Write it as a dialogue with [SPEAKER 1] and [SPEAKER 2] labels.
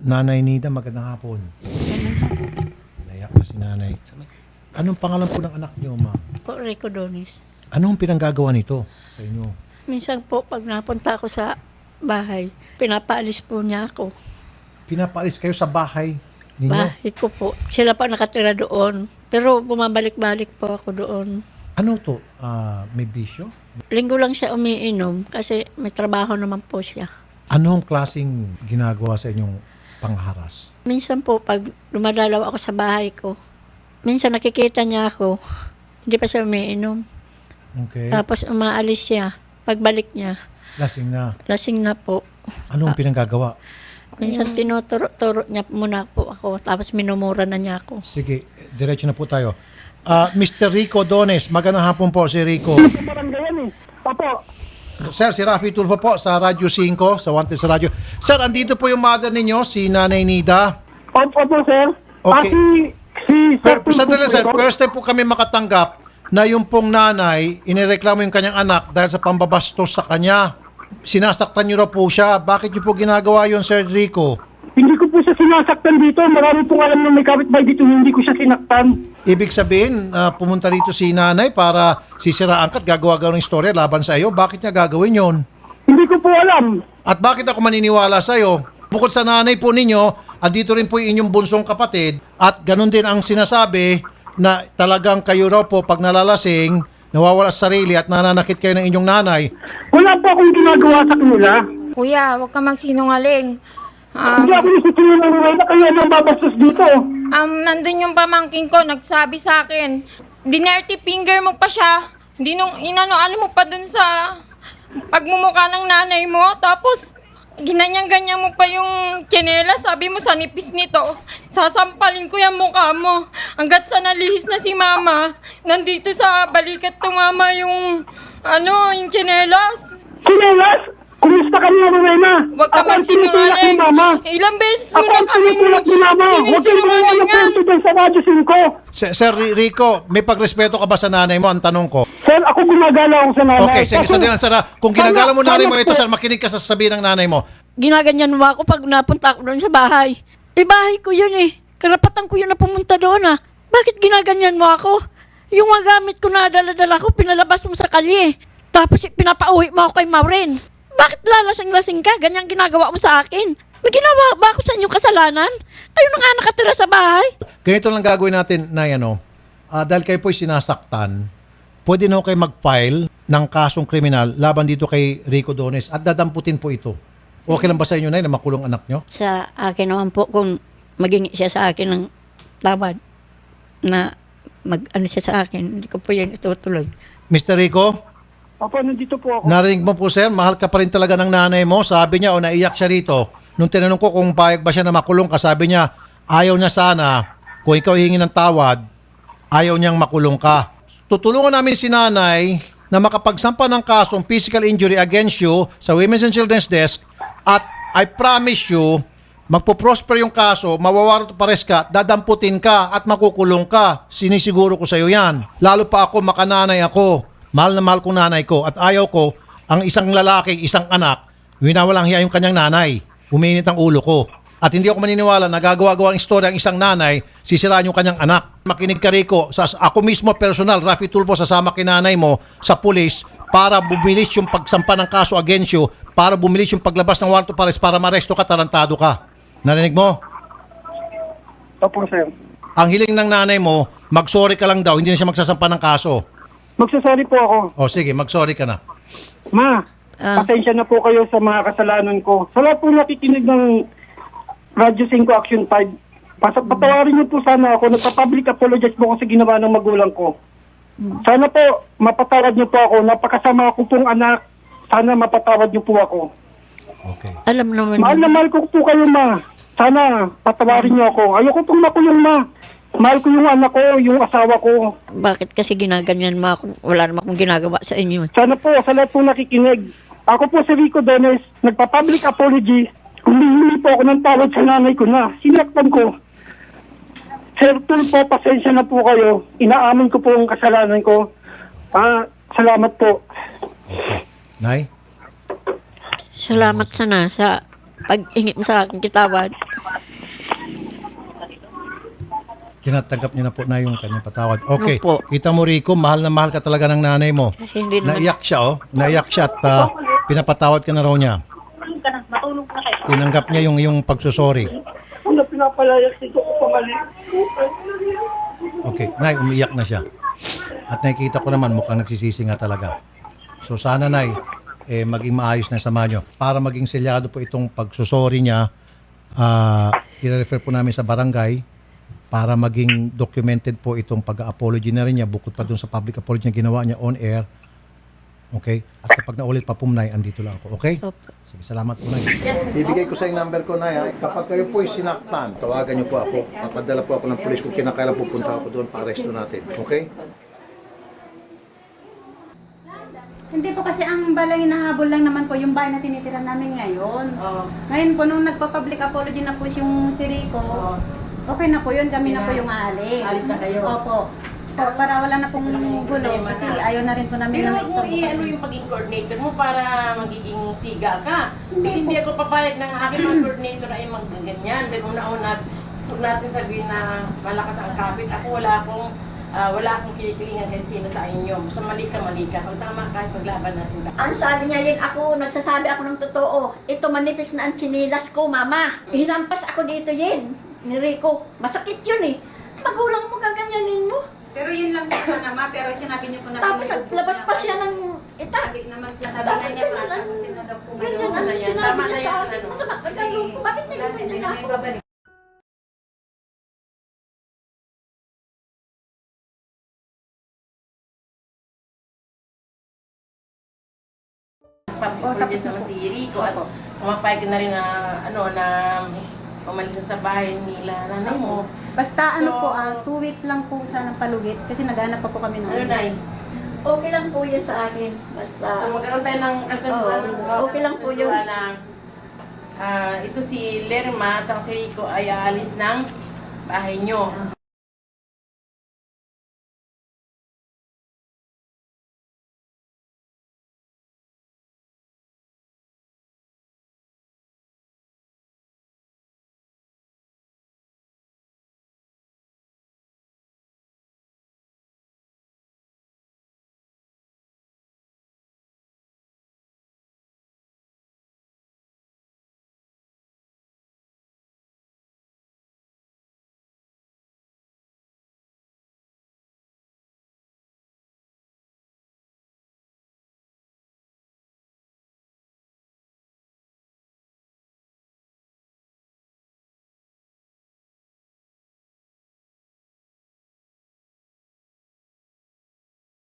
[SPEAKER 1] Nanay Nida, magandang hapon. Naiyak na si nanay. Anong pangalan po ng anak niyo, ma'am?
[SPEAKER 2] Po, Rico Donis.
[SPEAKER 1] Anong pinanggagawa nito sa inyo?
[SPEAKER 2] Minsan po, pag napunta ako sa bahay, pinapaalis po niya ako.
[SPEAKER 1] Pinapaalis kayo sa bahay ninyo?
[SPEAKER 2] Bahay ko po. Sila pa nakatira doon. Pero bumabalik-balik po ako doon.
[SPEAKER 1] Ano to? May bisyo?
[SPEAKER 2] Linggo lang siya umiinom kasi may trabaho naman po siya.
[SPEAKER 1] Anong klaseng ginagawa sa inyong pangharas?
[SPEAKER 2] Minsan po, pag dumadalaw ako sa bahay ko, minsan nakikita niya ako, hindi pa siya umiinom.
[SPEAKER 1] Okay.
[SPEAKER 2] Tapos umaalis siya. Pagbalik niya,
[SPEAKER 1] Lasing na.
[SPEAKER 2] lasing na po.
[SPEAKER 1] Anong pinanggagawa?
[SPEAKER 2] Minsan tinuturo niya muna po ako, tapos minumura na niya ako.
[SPEAKER 1] Sige, diretso na po tayo. Mr. Rico Dones, magandang hapon po si Rico.
[SPEAKER 3] Barangay Papo.
[SPEAKER 1] Sir, si Rafi Tulfo po sa Radyo 5, sa Wanted sa Radyo. Sir, andito po yung mother ninyo, si Nanay Nida.
[SPEAKER 3] Opo, sir.
[SPEAKER 1] Okay. Sandali, sir.
[SPEAKER 3] Sir.
[SPEAKER 1] First time po kami makatanggap na yung pong nanay, inireklamo yung kanyang anak dahil sa pambabastos sa kanya. Sinasaktan niyo raw po siya. Bakit niyo po ginagawa yun, Sir Rico?
[SPEAKER 3] Hindi ko po siya sinasaktan dito. Marami pong alam na may kapitbahay dito. Hindi ko siya sinaktan.
[SPEAKER 1] Ibig sabihin, pumunta rito si nanay para sisiraan ka at gagawa-gawa ng istorya laban sa iyo. Bakit niya gagawin yon?
[SPEAKER 3] Hindi ko po alam.
[SPEAKER 1] At bakit ako maniniwala sa iyo? Bukod sa nanay po ninyo, andito rin po yung inyong bunsong kapatid at ganun din ang sinasabi na talagang kayo raw po pag nalalasing, nawawala sa sarili at nananakit kayo ng inyong nanay.
[SPEAKER 3] Wala po akong ginagawa sa kanila.
[SPEAKER 4] Kuya, huwag ka magsinungaling.
[SPEAKER 3] Hindi ako nisipin ng na kayo ang babastos dito.
[SPEAKER 4] Nandun yung pamangking ko, nagsabi sa akin, dinerty finger mo pa siya. Hindi nung inano-ano mo pa dun sa pagmumukha ng nanay mo. Tapos, ginanyang-ganyan mo pa yung tsinela. Sabi mo sa nipis nito, sasampalin ko yung mukha mo. Hanggat sa nalihis na si mama, nandito sa balikat tumama yung, yung tsinelas.
[SPEAKER 3] Sinelas? Kumusta ka niya, Rowena?
[SPEAKER 4] Huwag ka
[SPEAKER 3] Ako ang tinutulak ni
[SPEAKER 4] magsinungaling.
[SPEAKER 3] Mama.
[SPEAKER 4] Ilang beses mo
[SPEAKER 3] Ako
[SPEAKER 4] na
[SPEAKER 3] ang
[SPEAKER 4] kaming
[SPEAKER 3] tinutulak ni Mama. Huwag kang gumawa ng
[SPEAKER 4] sinisinungalingan.
[SPEAKER 3] kwento dyan sa Radyo 5.
[SPEAKER 1] Sir Rico, may pagrespeto ka ba sa nanay mo? Ang tanong ko.
[SPEAKER 3] Sir, ako gumagala ako sa nanay.
[SPEAKER 1] Okay, sige,
[SPEAKER 3] Kasi-
[SPEAKER 1] sandali lang, sir. Kung ginagala mo nanay mo
[SPEAKER 3] Sana
[SPEAKER 1] ito,
[SPEAKER 3] po-
[SPEAKER 1] sir, makinig ka sa sasabihin ng nanay mo.
[SPEAKER 2] Ginaganyan mo ako pag napunta ako doon sa bahay. Bahay ko yun eh. Karapatan ko yun na pumunta doon ah. Bakit ginaganyan mo ako? Yung mga gamit ko na dala-dala ko, pinalabas mo sa kalye. Tapos pinapauwi mo ako kay Maureen. Bakit lalasing-lasing ka? Ganyan ginagawa mo sa akin. May ginawa ba ako sa inyong kasalanan? Kayo na nga nakatira sa bahay.
[SPEAKER 1] Ganito lang gagawin natin na dahil kayo po'y sinasaktan, pwede na kayo mag-file ng kasong kriminal laban dito kay Rico Dones at dadamputin po ito. Okay lang ba sa inyo na makulong anak nyo?
[SPEAKER 2] Sa akin naman po, kung maging siya sa akin ng tawad na mag-ano siya sa akin, hindi ko po yan itutuloy.
[SPEAKER 1] Mr. Rico?
[SPEAKER 3] Opo, nandito po ako.
[SPEAKER 1] Narinig mo po, sir, mahal ka pa rin talaga ng nanay mo. Sabi niya, naiyak siya rito. Nung tinanong ko kung payag ba siya na makulong ka, sabi niya, ayaw niya sana, kung ikaw hihingi ng tawad, ayaw niyang makulong ka. Tutulungan namin si nanay na makapagsampa ng kasong physical injury against you sa Women's and Children's Desk at I promise you, magpo-prosper yung kaso, mawawarot pares ka, dadamputin ka at makukulong ka. Sinisiguro ko sa iyo yan. Lalo pa ako, makananay ako. Mahal na mahal kong nanay ko at ayaw ko ang isang lalaki, isang anak, winawalang hiya yung kanyang nanay. Uminit ang ulo ko. At hindi ako maniniwala na gagawa-gawa ng istorya ang isang nanay, sisiraan yung kanyang anak. Makinig ka, Rico, ako mismo personal, Rafi Tulfo, sasama kinanay mo sa pulis para bumilis yung pagsampa ng kaso against you, para bumilis yung paglabas ng warrant of arrest para maresto ka, tarantado ka. Narinig mo?
[SPEAKER 3] Opo, sir.
[SPEAKER 1] Ang hiling ng nanay mo, mag-sorry ka lang daw, hindi na siya magsasampa ng kaso.
[SPEAKER 3] Magsasorry po ako.
[SPEAKER 1] O sige, mag-sorry ka na.
[SPEAKER 3] Ma, pasensya na po kayo sa mga kasalanan ko. Sa lahat po nakikinig ng Radyo 5 Action 5, patawarin niyo po sana ako. Nagpa-public apologize po ako sa ginawa ng magulang ko. Sana po, mapatawad niyo po ako. Napakasama ko pong anak. Sana mapatawad niyo po ako.
[SPEAKER 1] Okay.
[SPEAKER 2] Alam naman
[SPEAKER 3] Mahal na mahal ko po kayo, ma. Sana, patawarin niyo ako. Ayoko pong makulong, ma. Mahal ko yung anak ko, yung asawa ko.
[SPEAKER 2] bakit kasi ginaganyan mo ako. Wala naman akong ginagawa sa inyo.
[SPEAKER 3] Sana po, sa lahat po nakikinig. Ako po si Rico Dones, nagpa-public apology. Humihingi po ako ng tawad sa nanay ko na. Sinaktan ko. Sir Tulfo, pasensya na po kayo. Inaamin ko po ang kasalanan ko. Salamat po.
[SPEAKER 1] Okay. Nay?
[SPEAKER 2] Salamat sana sa pag-ingit mo sa akin kitawad.
[SPEAKER 1] Tinatanggap niya na po na yung kanyang patawad. Okay.
[SPEAKER 2] Opo.
[SPEAKER 1] Kita mo, Rico, mahal na mahal ka talaga ng nanay mo.
[SPEAKER 2] Hindi naman.
[SPEAKER 1] Naiyak siya, oh. Naiyak siya at pinapatawad ka na raw niya. Tinanggap niya yung pagsusori.
[SPEAKER 3] Ano pinapalayas ito ko pamali?
[SPEAKER 1] Okay. Nay, umiyak na siya. At nakikita ko naman, mukhang nagsisisi nga talaga. So sana, Nay, maging maayos na sama nyo. Para maging selyado po itong pagsusori niya, i-refer po namin sa barangay para maging documented po itong pag-apology na rin niya bukod pa dun sa public apology na ginawa niya on air. Okay? At kapag naulit pa po, Nay, andito lang ako. Okay?
[SPEAKER 2] Opo.
[SPEAKER 1] Sige, salamat po, Nay. Bibigay ko sa yung number ko, Nay. Kapag kayo po sinaktan, tawagan niyo po ako. Papadala po ako ng pulis kung kinakailan pupunta ako doon para arresto natin. Okay?
[SPEAKER 5] Hindi po kasi ang balay hinahabol lang naman po yung bahay na tinitira namin ngayon. Ngayon po, nung nagpa-public apology na po yung si Rico, okay na po yun, kami na po yung aalis.
[SPEAKER 6] Alis na kayo?
[SPEAKER 5] Opo. Po, para wala na pong gulo kasi ayaw na rin po namin
[SPEAKER 6] Pero
[SPEAKER 5] na
[SPEAKER 6] huwag mo i-ano yung pagiging coordinator mo para magiging siga ka. Kasi hindi ako papayag ng aking mga coordinator ay magganyan. Dahil una-una, huwag natin sabihin na malakas ang kapit. Ako wala akong kinikilingan kahit sino sa inyo. Basta mali ka. Kung tama ka, paglaban natin.
[SPEAKER 2] Ano sabi niya yun? Ako, nagsasabi ako ng totoo. Ito manipis na ang chinilas ko, mama. Hinampas ako dito yun. Ni Rico. Masakit yun eh. Magulang mo gaganyanin mo.
[SPEAKER 5] Pero yun lang po sana ma, pero sinabi niyo po na
[SPEAKER 2] Tapos labas pa siya ng itak.
[SPEAKER 5] Sabi naman po, sabi
[SPEAKER 2] Tapos
[SPEAKER 5] niya
[SPEAKER 2] ganyan
[SPEAKER 5] pa,
[SPEAKER 2] ang-
[SPEAKER 5] tapos sino daw po
[SPEAKER 2] Ganyan
[SPEAKER 5] ngayon.
[SPEAKER 2] ang
[SPEAKER 6] yan.
[SPEAKER 2] sinabi
[SPEAKER 6] Tama
[SPEAKER 2] niya
[SPEAKER 6] na
[SPEAKER 2] sa
[SPEAKER 6] yan,
[SPEAKER 2] akin.
[SPEAKER 6] ano.
[SPEAKER 2] Masama ka
[SPEAKER 5] Kasi
[SPEAKER 2] ko. Bakit
[SPEAKER 5] wala,
[SPEAKER 2] nagaganyan
[SPEAKER 5] hindi
[SPEAKER 2] na
[SPEAKER 5] namin
[SPEAKER 2] ako?
[SPEAKER 5] babalik.
[SPEAKER 6] Pag-produce naman si Rico at pumapayag ka na rin na, na umalis sa bahay nila nanay mo.
[SPEAKER 5] Basta ano
[SPEAKER 6] So,
[SPEAKER 5] po, 2 weeks lang po sanang palugit kasi naghanap pa po kami ng
[SPEAKER 6] Ano, Nay?
[SPEAKER 2] Okay lang po yun sa akin. Basta.
[SPEAKER 6] So magkaroon tayo ng kasunduan.
[SPEAKER 2] Oo, okay lang po yun.
[SPEAKER 6] Na, ito si Lerma at si Rico ay aalis ng bahay nyo.